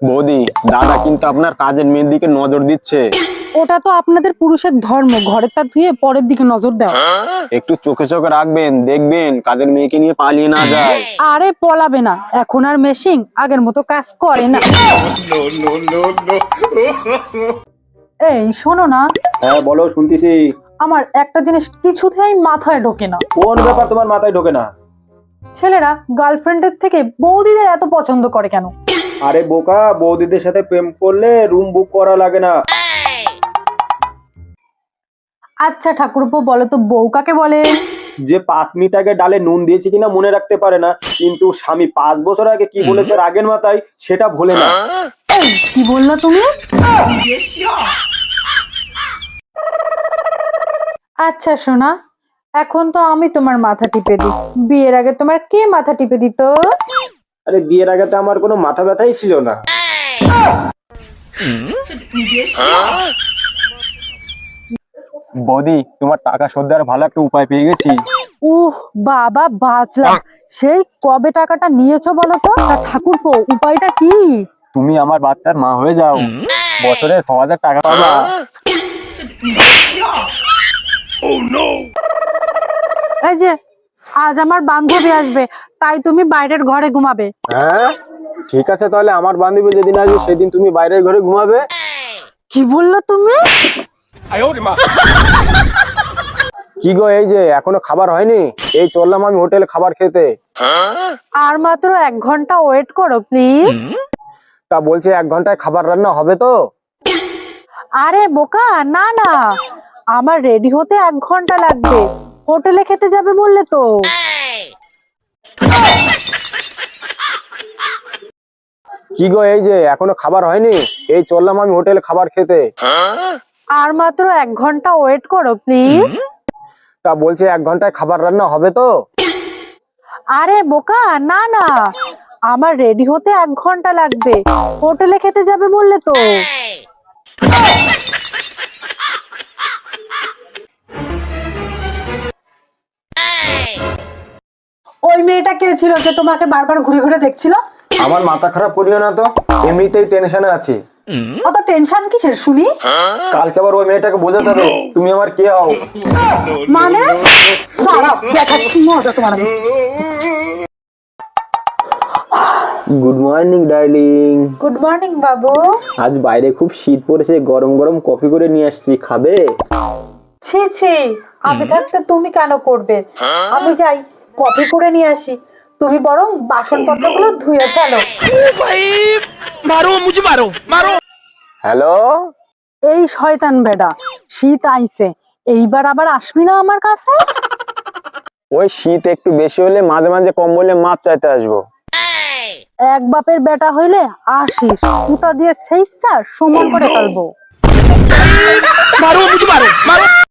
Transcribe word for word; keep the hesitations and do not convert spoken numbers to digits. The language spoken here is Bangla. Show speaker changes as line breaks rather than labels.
বৌদি, দাদা কিন্তু আপনার কাজের মেয়ের দিকে নজর দিচ্ছে।
ওটা তো আপনাদের পুরুষের ধর্ম, ঘরের তা ধুয়ে পরের দিকে নজর দেওয়া।
একটু চোখে চোখে রাখবেন, দেখবেন কাজের মেয়েকে নিয়ে পালিয়ে না যায়।
আরে পলাবে না, এখন আর মেশিন আগের মতো কাজ করে না। এই শোনো না,
হ্যাঁ বলো, শুনতেছি।
আমার একটা জিনিস কিছুতেই মাথায় ঢোকে না।
কোন ব্যাপার তোমার মাথায় ঢোকে না?
ছেলেরা গার্লফ্রেন্ডের থেকে বৌদিদের এত পছন্দ করে কেন?
আরে বোকা, বৌদিদের সাথে প্রেম করলে রুম বুক করা লাগে না।
আচ্ছা ঠাকুরপো, বলো তো বউ কাকে বলে?
যে পাঁচ মিনিট আগে ডালে নুন দিয়েছে কিনা মনে রাখতে পারে না, কিন্তু স্বামী পাঁচ বছর আগে কি বলেছে রাগের মাথায় সেটা ভোলে না।
এই, কি বললা তুমি? আচ্ছা শোনা, এখন তো আমি তোমার মাথা টিপে দিই, বিয়ের আগে তোমার কে মাথা টিপে দিত?
আরে বিয়ের আগে তো আমার কোনো মাথা ব্যথাই ছিল না।
বৌদি, তোমার টাকা শোধ দেওয়ার ভালো একটা উপায় পেয়ে গেছি।
উহ বাবা, বাঁচলাম। সেই কবে টাকাটা নিয়েছো বলো তো? আর ঠাকুরপো, উপায়টা কি?
তুমি আমার বাচ্চার মা হয়ে যাও, বছরে ছ হাজার টাকা পাবা।
এই যে আজ আমার বান্ধবী আসবে, তাই তুমি বাইরের ঘরে ঘুমাবে।
হ্যাঁ ঠিক আছে, তাহলে আমার বান্ধবী যেদিন আসবে সেদিন তুমি বাইরের ঘরে ঘুমাবে।
কি বললো তুমি?
কি গো, এই যে এখনো খাবার হয়নি? এই চললাম আমি হোটেলে খাবার খেতে।
আর মাত্র এক ঘন্টা ওয়েট করো প্লিজ।
তা বলছে এক ঘন্টায় খাবার রান্না হবে তো?
আরে বোকা, না না, আমার রেডি হতে এক ঘন্টা লাগবে। হোটেলে খেতে যাবে বললে তো।
কি গো, এই যে এখনো খাবার হয়নি? এই চললাম আমি হোটেলে খাবার খেতে।
আর মাত্র এক ঘন্টা ওয়েট করো প্লিজ।
তা বলছে এক ঘন্টায় খাবার রান্না হবে তো?
আরে বোকা, না না, আমার রেডি হতে এক ঘন্টা লাগবে। হোটেলে খেতে যাবে বললে তো। ওই মেয়েটা কে ছিল যে তোমাকে বারবার ঘুরে ঘুরে দেখছিল?
আমার মাথা খারাপ করিও না তো, এমনিতেই টেনশনে আছি।
অত টেনশন কিসের শুনি?
কালকে আবার ওই মেয়েটাকে বোঝাতে হবে তুমি আমার কে হও।
মানে দাঁড়াও, দেখাচ্ছি মজা তোমার আমি।
Good morning darling.
Good morning বাবু।
আজ বাইরে খুব শীত পড়েছে, গরম গরম কফি করে নিয়ে আসছি, খাবে?
ছি ছি, আমি থাকতে তুমি কেন করবে? আমি যাই কফি করে নিয়ে আসি, তুমি বরং বাসনপত্রগুলো ধুয়ে ফেলো।
হ্যালো।
এই শয়তান বেডা, শীত আইছে, এইবার আবার আসবি না আমার কাছে?
ওই শীত একটু বেশি হলে মাঝে মাঝে কম্বলে মাছ চাইতে আসবো।
এক বাপের বেটা হইলে আসিস, কুতা দিয়ে সেইসা সমান করে ফেলবো।